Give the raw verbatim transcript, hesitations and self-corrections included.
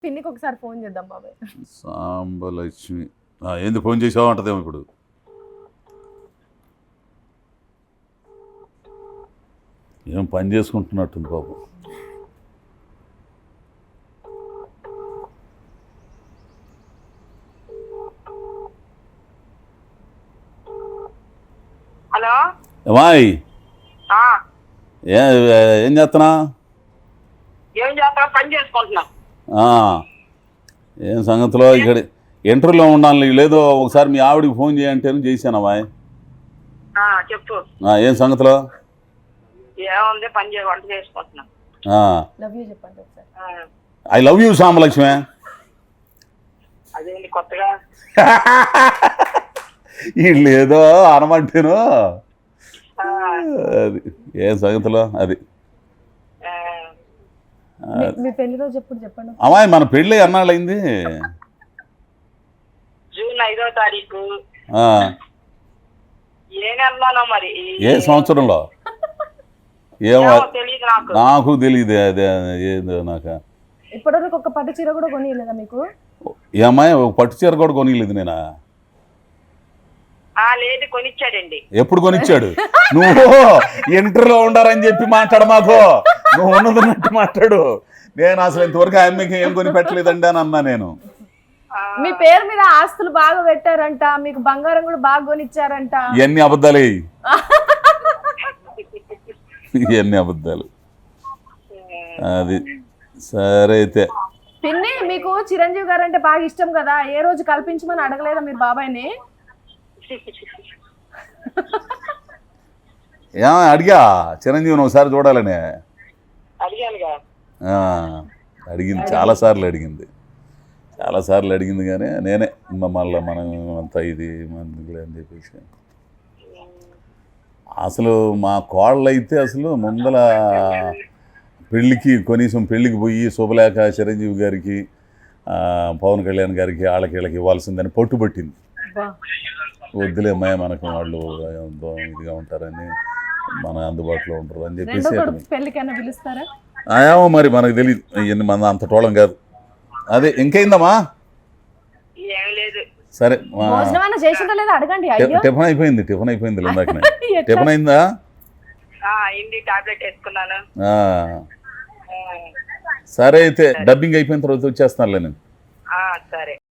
పిన్నికి ఒకసారి ఫోన్ చేద్దాం బాబాయ్. సాంబలక్ష్మి ఏంది ఫోన్ చేసావు అంటదేమో ఇప్పుడు. ఏం పని చేసుకుంటున్నట్టుంది పాపం. హలో ఏమాయ్ ఏం చేస్తున్నా? ఏం చేస్తా? పని చేసుకుంటున్నా. ఏం సంగతిలో ఇక్కడ ఇంటర్వ్యూలో ఉండాలి లేదో ఒకసారి మీ ఆవిడికి ఫోన్ చేయంటే చేశానమ్మా. చెప్పు ఏం సంగతిలో? ఏముంది, పని చే వంట చేసుకుంటున్నా. లవ్ యూ చెప్పండి ఒకసారి. I love you Sambalakshmi. అదేంటి కొత్తగా? వీళ్ళు ఏదో అనమంటేను అది ఏం సంగతిలో అది. మీ పెళ్లి రోజు ఎప్పుడు చెప్పండి. అమ్మాయి మన పెళ్ళి అన్నాళ్ళు అయింది. జూన్ ఐదో తారీఖు. ఏ నెలలో మరి? ఏ సంవత్సరంలో ఏమో తెలియదు నాకు. నాకు తెలియదు అదే ఏదో నాకు. ఇప్పటివరకు ఒక పట్టు చీర కూడా కొనియలేదా మీకు? ఏ అమ్మాయి ఒక పట్టు చీర కూడా కొనియలేదు నేనా? లేదు, కొనిచ్చాడండి. ఎప్పుడు కొనిచ్చాడు? నువ్వు ఇంటర్లో ఉండారని చెప్పి మాట్లాడు మాకు. నువ్వు ఉన్నదన్నట్టు మాట్లాడు. నేను అసలు ఇంతవరకు ఆమెకి ఏం కొని పెట్టలేదండి అని అన్నా నేను. మీ పేరు మీద ఆస్తులు బాగా పెట్టారంట, మీకు బంగారం కూడా బాగా కొనిచ్చారంట. ఇవన్నీ అబద్ధాలే. ఇవన్నీ అబద్ధాలు. అది సరే అయితే. పిన్ని, మీకు చిరంజీవి గారు అంటే బాగా ఇష్టం కదా, ఏ రోజు కల్పించమని అడగలేదా మీరు బాబాయ్ని? ఏమో అడిగా చిరంజీవిని ఒకసారి చూడాలని. అడిగింది, చాలాసార్లు అడిగింది చాలాసార్లు అడిగింది కానీ నేనే మళ్ళీ మనం అంతా ఇది మందులే అని చెప్పేసి. అసలు మా కోళ్ళు అయితే అసలు ముందల పెళ్ళికి కనీసం పెళ్ళికి పోయి శుభలేఖ చిరంజీవి గారికి పవన్ కళ్యాణ్ గారికి వాళ్ళకి వీళ్ళకి ఇవ్వాల్సిందని పట్టుబట్టింది. వద్దులే అమ్మాయి, మనకు వాళ్ళు ఇదిగా ఉంటారని మన అందుబాటులో ఉంటారు అని చెప్పేసి. పెళ్ళికైనా పిలుస్తారా? ఏమో మరి మనకు తెలియదు, ఇవన్నీ మన అంత టోళం కాదు. అదే ఇంకైందమ్మా? సరే, టిఫిన్ అయిపోయింది. టిఫిన్ అయిపోయింది ఇందాకనే. టిఫిన్ అయిందా? సరే అయితే డబ్బింగ్ అయిపోయిన తర్వాత వచ్చేస్తానులే నేను. సరే.